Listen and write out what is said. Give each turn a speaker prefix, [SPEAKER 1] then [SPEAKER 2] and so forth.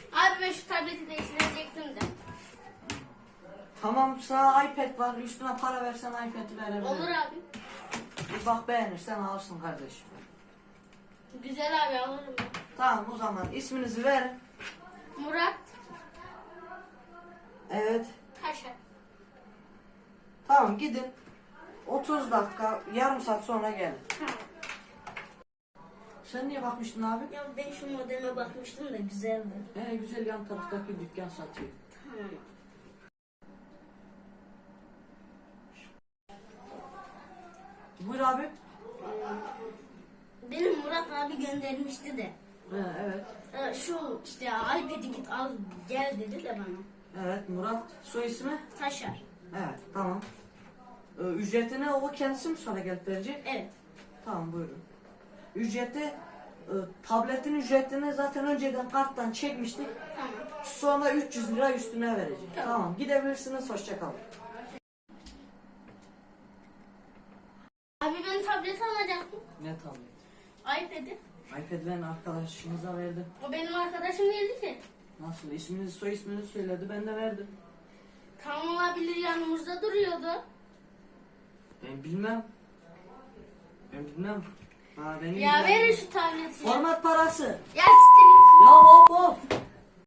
[SPEAKER 1] Abi ben şu tableti değiştirecektim de.
[SPEAKER 2] Tamam, sana iPad var. Üstüne para versen iPad'i verebilirim.
[SPEAKER 1] Olur abi.
[SPEAKER 2] Bir bak, beğenirsen alırsın kardeşim.
[SPEAKER 1] Güzel abi, alırım ben.
[SPEAKER 2] Tamam, o zaman isminizi verin.
[SPEAKER 1] Murat
[SPEAKER 2] Evet.
[SPEAKER 1] Taşar.
[SPEAKER 2] Tamam, gidin. 30 dakika, yarım saat sonra gelin.
[SPEAKER 1] Tamam.
[SPEAKER 2] Sen niye bakmıştın abi?
[SPEAKER 1] Ya ben şu modeme bakmıştım da güzeldi.
[SPEAKER 2] Güzel, yan taraftaki dükkan satıyor.
[SPEAKER 1] Tamam.
[SPEAKER 2] Buyur abi.
[SPEAKER 1] Benim Murat abi göndermişti de.
[SPEAKER 2] Evet.
[SPEAKER 1] Şu işte iPad'i git al gel dedi de bana.
[SPEAKER 2] Evet, Murat. Soy ismi?
[SPEAKER 1] Taşar.
[SPEAKER 2] Evet, tamam. Ücretini o kendisi mi sonra gelip verecek?
[SPEAKER 1] Evet.
[SPEAKER 2] Tamam, buyurun. Ücreti, tabletin ücretini zaten önceden karttan çekmiştik.
[SPEAKER 1] Tamam.
[SPEAKER 2] Sonra 300 lira üstüne verecek.
[SPEAKER 1] Tamam.
[SPEAKER 2] Tamam, gidebilirsiniz. Hoşça kalın.
[SPEAKER 1] Abi ben tablet alacaktım.
[SPEAKER 2] Ne tablet?
[SPEAKER 1] iPad'i.
[SPEAKER 2] iPad ben arkadaşımıza verdim.
[SPEAKER 1] O benim arkadaşım değildi ki.
[SPEAKER 2] Nasıl? İsminizi, soy isminizi söyledi. Ben de verdim.
[SPEAKER 1] Tam olabilir, yanımızda duruyordu.
[SPEAKER 2] Ben bilmem. Ben bilmem. Ha, benim
[SPEAKER 1] Ya verin şu tableti.
[SPEAKER 2] Format parası.
[SPEAKER 1] Ya siktir.
[SPEAKER 2] Ya hop hop.